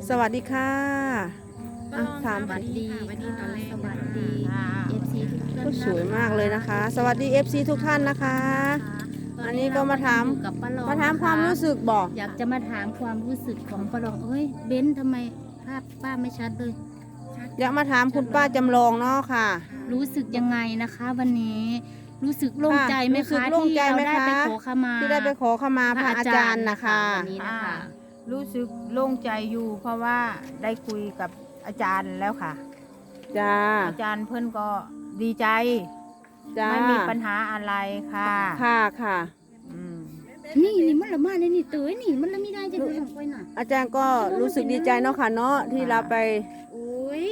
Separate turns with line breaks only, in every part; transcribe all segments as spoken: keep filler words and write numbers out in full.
สวัสดีค่ะอ่ะถาม
สวัสดีวันนี้ตอนแรกสวัสดีเอฟซีทุกท่าน
ก็สวยมากเลยนะคะ สวัสดี เอฟ ซี ทุกท่านนะคะ อันนี้ก็มาถามมาถามความรู้สึกบอก
อยากจะมาถามความรู้สึกของป้าลองเอ้ยเบ้นทำไมภาพป้าไม่ชัดเลย
อยากมาถามคุณป้าจำลองเนาะค่ะ
รู้สึกยังไงนะคะ วันนี้รู้สึกโล่งใจไหมคะที่เราได้ไปขอขมา
ที่ได้ไปขอขมาพระอาจารย์นะคะ
วันนี้นะคะ
รู้สึกโล่งใจอยู่เพราะว่าได้คุยกับอาจารย์แล้วค่ะ
จ้า
อาจารย์เพื่อนก็ดีใจ
จ้า
ไม่มีปัญหาอะไรค่ะ
ค่ะค่ะ
นี่นี่มันละมาเลยนี่เตยนี่มันละไม่ได้จะดูลงไปน่ะ
อาจารย์ก็รู้สึกดีใจเนาะค่ะเนาะที่เราไป
โอ้ย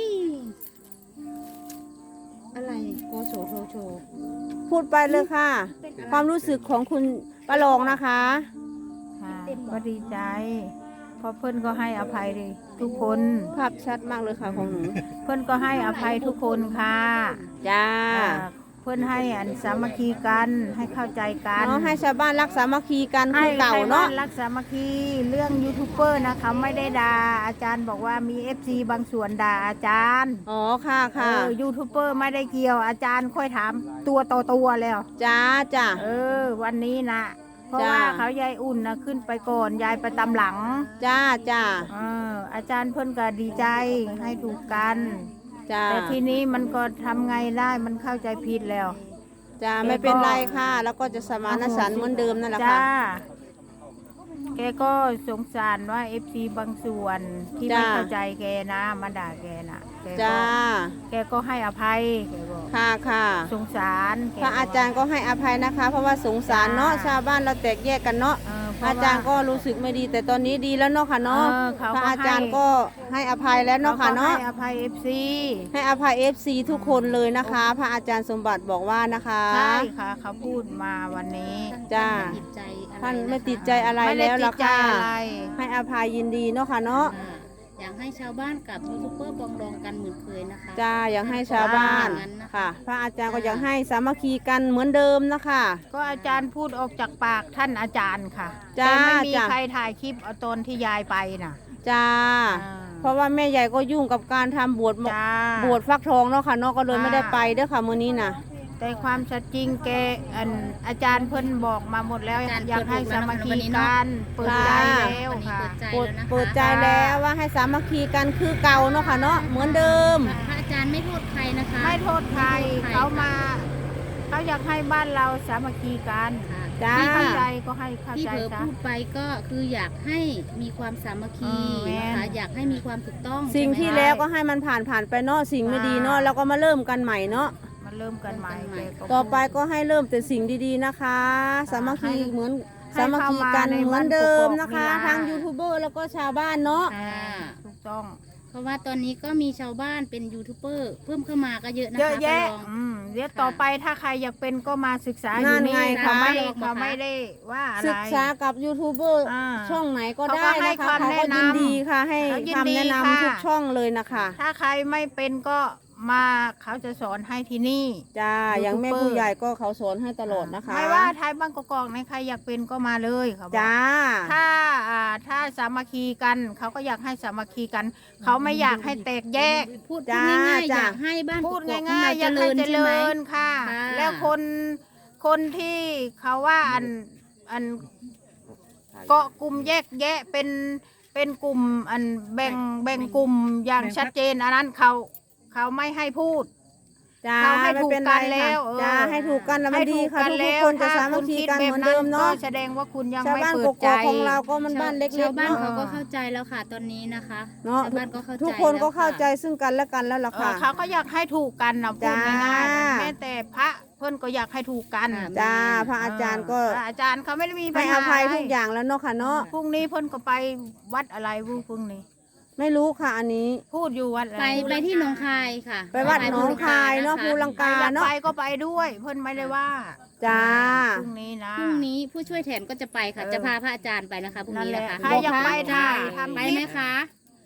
อะไรโกโซโชโช
พูดไปเลยค่ะ ความรู้สึกของคุณป้าลองนะคะ
ค่ะก็ดีใจเพราะเพื่อนก็ให้อภัยเลยทุกคน
ภาพชัดมากเลยค่ะของหนู
เพื่อนก็ให้อภัยทุกคนค่ะ
จ้า
เพื่อนให้อันสามัคคีกันให้เข้าใจกัน
เนาะให้ชาวบ้านรักสามัคคีกันคือเก่าเนาะ
รักสามัคคีเรื่องยูทูบเบอร์นะคะไม่ได้ด่าอาจารย์บอกว่ามีเอฟซีบางส่วนด่าอาจารย์
อ๋อค่ะค่ะ
ยูทูบเบอร์ไม่ได้เกี่ยวอาจารย์ค่อยถามตัวต่อตัวแล้ว
จ้าจ้า
เออวันนี้นะเพราะว่าเขายายอุ่นนะขึ้นไปก่อนยายไปตามหลัง
จ้าจ้า
เอออาจารย์เพิ่นก็ดีใจให้ถูกกันแต่ทีนี้มันก็ทำไงได้มันเข้าใจผิดแล้ว
จ้าไม่เป็นไรค่ะแล้วก็จะสมานฉันท์เหมือนเดิมนั่นแหละค่ะ
แกก็สงสารว่าเอฟซีบางส่วนที่ไม่เข้าใจแกนะมาด่าแกนะ
จ้า
แกก็ให้อภัยแกบอก
ค่ะค่ะ
สงสาร
พระอาจารย์ก็ให้อภัยนะคะเพราะว่าสงสารเนาะชาวบ้านเราแตกแยกกันเนาะอาจารย์ก็รู้สึกไม่ดีแต่ตอนนี้ดีแล้วเนาะค่ะเนาะพระอาจารย์ก็ให้อภัยแล้วเนาะค่ะเนาะ
ให้อภัยเอฟซี
ให้อภัยเอฟซีทุกคนเลยนะคะพระอาจารย์สมบัติบอกว่านะคะ
ใช่ค่ะเขาพูดมาวันนี้
จ้าท่านไม่ติดใจอะไรแล้วล่ะค่ะให้อภัยยินดีเนาะค่ะเนาะ
อยากให้ชาวบ้านกับยูทูบเบอร์ปองดองกันเหมือนเคยนะคะ
จ้าอยากให้ชาวบ้านค่ะพระอาจารย์ก็อยากให้สามัคคีกันเหมือนเดิมนะคะ
ก็อาจารย์พูดออกจากปากท่านอาจารย์ค่ะแต่ไม่มีใครถ่ายคลิปเอาตอนที่ยายไปน่ะ
จ้าเพราะว่าแม่ใหญ่ก็ยุ่งกับการทำบวชบวชฟักทองเนาะค่ะเนาะก็เลยไม่ได้ไปเด้อค่ะมื้อนี้น่ะ
แต่ความชัดจริงแกอันอาจารย์เพิ่นบอกมาหมดแล้วอยากให้สามัคคีกันเปิดใจแล้วค่ะ
เปิดใจแล้วว่าให้สามัคคีกันคือเก่าเนาะค่ะเนาะเหมือนเดิม
พระอาจารย์ไม่โทษใครนะคะ
ไม่โทษใครเขามาเขาอยากให้บ้านเราสามัคคีกัน
จ้า
เข้าใจก็ให้เข้าใจ
ที่เผลอพูดไปก็คืออยากให้มีความสามัคคีนะคะอยากให้มีความถูกต้อง
สิ่งที่แล้วก็ให้มันผ่านผ่านไปเนาะสิ่งไม่ดีเนาะแล้วก็มาเริ่มกันใหม่เนาะ
เริ่มกันใหม่
ต่อไปก็ให้เริ่มแต่สิ่งดีๆนะคะสามัคคีเหมือนสามัคคีกันเหมือนเดิมนะคะทั้งยูทูบเบอร์แล้วก็ชาวบ้านเนาะ
ถูกต้อง
เพราะว่าตอนนี้ก็มีชาวบ้านเป็นยูทูบเบอร์เพิ่มเข้ามาก็เยอะนะคะ
เยอะแยะเดี๋ยวต่อไปถ้าใครอยากเป็นก็มาศึกษาอยู่นี่เขาไม่เขาไม่ได้ว่าอะไร
ศึกษากับยูทูบเบอร์ช่องไหนก็ได้นะคะเขาก็ยินดีค่ะให้คำแนะนำทุกช่องเลยนะคะ
ถ้าใครไม่เป็นก็มาเขาจะสอนให้ที่นี่
จ้าอย่างแม่ผู้ใหญ่ก็เขาสอนให้ตลอดนะคะ
ไม่ว่าไทยบางกอกในใครอยากเป็นก็มาเลยเขาบอก
จ้า
ถ้าถ้าสามัคคีกันเขาก็อยากให้สามัคคีกันเขาไม่อยากให้แตกแยก
พูดง่ายๆอยากให้บ้าน
พูดง่ายๆอยากให้เจริญค่ะแล้วคนคนที่เขาว่าอันอันเกาะกลุ่มแยกแยะเป็นเป็นกลุ่มอันแบ่งแบ่งกลุ่มอย่างชัดเจนอันนั้นเขาเขาไม่ให้พูด
เขาให้ถูกกันแล้วจ้าให้ถูกกันแล้วมันดีค่ะทุกคนจะสามัคคีกันเหมือนเดิมเนาะ
แสดงว่าคุณยังไม่เปิดใจ
ของเราก็มันบ้านเล็กๆ
ชาวบ้านเขาก็เข้าใจแล้วค่ะตอนนี้นะคะ
เนาะทุกคนก็เข้าใจซึ่งกันและกันแล้วล่ะค่ะ
เขาก็อยากให้ถูกกันนะพูดง่ายๆแม้แต่พระเพื่อนก็อยากให้ถูกกัน
จ้าพระอาจารย์ก็
อาจารย์เขาไม่ได้มี
ให้อภัยทุกอย่างแล้วเนาะค่ะเนาะ
พรุ่งนี้เพื่อนก็ไปวัดอะไรวูพรุ่งนี้
ไม่รู้ค่ะอันนี้
พูดอยู่วัดอะไร
ไปไปที่หนองคายค่ะ
ไปวัดหนองคายเนาะภูลังกาเนาะ
ไปก็ไปด้วยเพิ่นไม่ได้ว่า
จ้า
พรุ่งนี้นะ
พรุ่งนี้ผู้ช่วยแทนก็จะไปค่ะจะพาพระอาจารย์ไปนะคะพรุ่งนี้นะคะ
ใครอยากไปถ่าย
ไปไหมคะ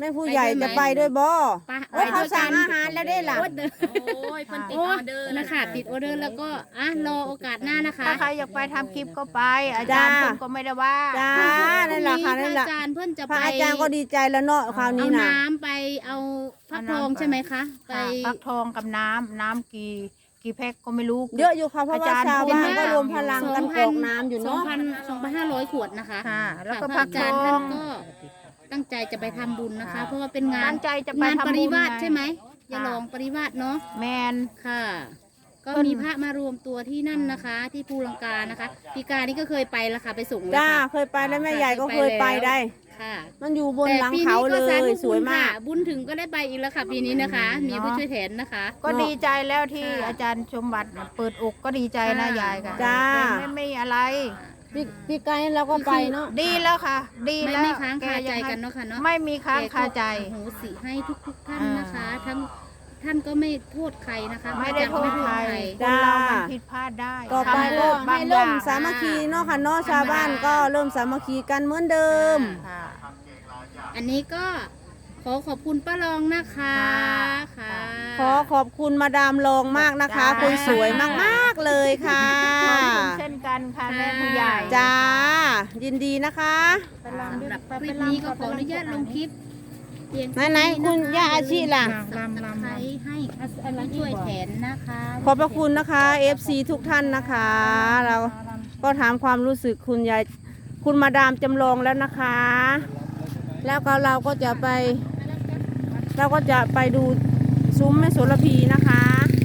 แม่ผู้ใหญ่จะไปด้วยบ่
ไป
โอ้ยเขาสั่งอาหารแล้วได้ล่ะ
โอ้ยเพิ่นติดออเดอร์นะคะติดออเดอร์แล้วก็อ่ะรอโอกาสหน้านะคะ
ถ้าใครอยากไปทำคลิปก็ไป อาจารย์
จ้า
เพิ่นก็ไม่ได้ว่า
จ้านั่นแหละค่ะนั่นแหละ
พรอาจารย์เพิ่นจะ
พ
ไประ
อาจารย์ก็ดีใจแล้วเนาะคราว
เอา
นี้นะ
น้ำไปเอาฟักทองใช่ไหมคะไป
ค่ะฟักทองกับน้ำน้ำกี่กี่แพ็คก็ไม่รู้
เยอะอยู่ค่ะเพราะว่า
อาจารย์
ชาวบ้าน
พูด
ก็
มาร
วมพลังกันกรอกน้ำอยู่
สอง
เนาะ
พันสองพันห้าร้อยขวดนะคะ
ค่ะแล้วก็
ค่ะ
ฟัก
พระอา
ท
จารย์
อ
ท่าน
ง
ก็ตั้งใจจะไปทำบุญนะคะ
ค่ะ
เพราะว่าเป็นงาน
ตั้งใจจะไป
งาน
ทำบุญ
ปริวาส
ไง
ใช่ไหมอย่า
ค่ะ
ลองปริวาสเนาะ
แมน
ค่ะ ก็
เพิ่น
มีพระมารวมตัวที่นั่นนะคะ ที่ภูลังกานะคะปีกานี่ก็เคยไปแล้วค่ะไปส่งแล้ว
จ้า
ค่ะ
เคยไปแล้วแม่ใหญ่ก็เคยไปได้
ค่ะ
มันอยู่บน
แต่
หลัง
ปี
เขา
นี้
เล
ก็สาย ธุ
สวย
บุญ
มา
ค่ะ
ก
บุญถึงก็ได้ไปอีกแล้วค่ะปีนี้นะคะ มีผู้ช่วยแทนนะคะ
ก็
เนาะ
ดีใจแล้วที่
ค่ะ
อาจารย์ชมบัตรเปิดอกก็ดีใจนะ
ค่ะ
ยายค่ะ
จ้า
ไม่ไม่อะไร
พี่พี่ไกด์เราก็ไปเนาะ
ดีแล้วค่ะ ดี
ไม่
แล้ว
ไม่ค้างคาใจ
แยัง
กันเนาะค่ะเนาะ
ไม่มีค้างคาใจ
แกก็อโหสิให้ทุกทุกๆท่าน
อ่าน
นะคะ ทั้งท่านก็ไม่โทษใครนะคะ
ไม่ได้โทษใคร
พะอาจารย์ก็ไม่โทษใคร
คนเรามันผิดพลาดได้
ต่อไป
ทำ
ก็
บา
ให้
งอ
เริ่
ย่าม ง
สามัคคีเนาะค่ะเนาะชาวบ้านก็เริ่มสามัคคีกันเหมือนเดิม
ค่ะ
อันนี้ก็ขอขอบคุณป้ารองนะคะ
ค่ะ
ค่ะ
ขอขอบคุณมาดามลองมากนะคะ
จ้า
คนสวยมากๆเลยค่ะ
ขอบคุณเช่นกันค่ะแม่ผู้ใหญ่
จ้า ยินดีนะคะ
ไปลอง
สำ
ดู
หรับ
ไป
คลิป
ไปลอง
นี้ก็ขออนุญาตลงคลิปเพียง
ไหนๆคุณย่าอาชีล่ะ
สับตะไคร้ให้ผู้ช่วยแทนนะคะ
ขอบพระคุณนะคะ เอฟ ซี ทุกท่านนะคะ เราก็ถามความรู้สึกคุณยายคุณมาดามจำลองแล้วนะคะ แล้วก็เราก็จะไป เราก็จะไปดูซุ้มแม่โสระพีนะคะ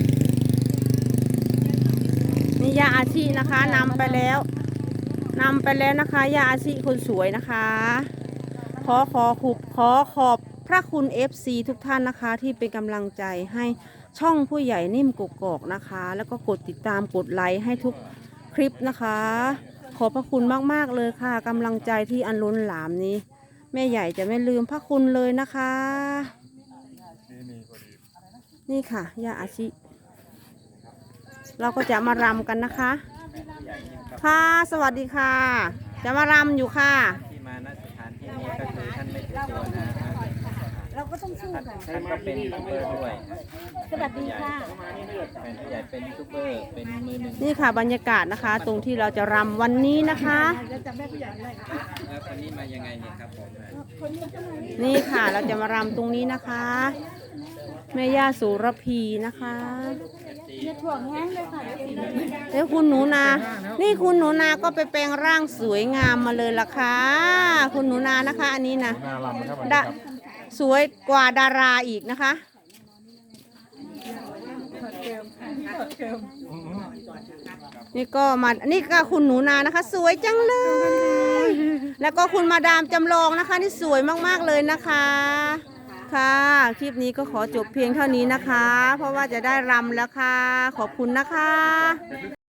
นี่ยาอาชีนะคะนำไปแล้วนำไปแล้วนะคะยาอาชีคนสวยนะคะ ขอขอขุบขอขอบพระคุณ เอฟ ซี ทุกท่านนะคะ ที่เป็นกำลังใจให้ช่องผู้ใหญ่นิ่มกกอกนะคะ แล้วก็กดติดตามกดไลค์ให้ทุกคลิปนะคะ ขอบพระคุณมากๆเลยค่ะกำลังใจที่อันล้นหลามนี้ แม่ใหญ่จะไม่ลืมพระคุณเลยนะคะ นี่ค่ะย่าอาชิ เราก็จะมารำกันนะคะ ค่ะสวัสดีค่ะ จะมารำอยู่ค่ะ
ที่มาณสถานที่นี้ก็คือท่านไม่ถือตัวนะฮะ
เราก็ต้องสู้
ท่าน
กัน
ท่านก็เป็นยูทูบเบอร์ด้วย
สวัสดีค่ะ
เป็นผู้ใหญ่เป็นยูทูบเบอร์เป็นมือหนึ่ง
นี่ค่ะบรรยากาศนะคะ ตรงที่เราจะรำวันนี้นะคะ
แล้วคนนี้มายังไงเนี่ยครับผม
นี่ค่ะเราจะมารำตรงนี้นะคะ แม่ย่าสุรพีนะคะแล้วคุณหนูนา นี่คุณหนูนาก็ไปแปลงร่างสวยงามมาเลยล่ะค่ะ คุณหนูนานะคะ อันนี้นะดะสวยกว่าดาราอีกนะคะ นี่ก็มา นี่ก็คุณหนูนานะคะ สวยจังเลย แล้วก็คุณมาดามจำลองนะคะ นี่สวยมากๆเลยนะคะ ค่ะ คลิปนี้ก็ขอจบเพียงเท่านี้นะคะ เพราะว่าจะได้รำแล้วค่ะ ขอบคุณนะคะ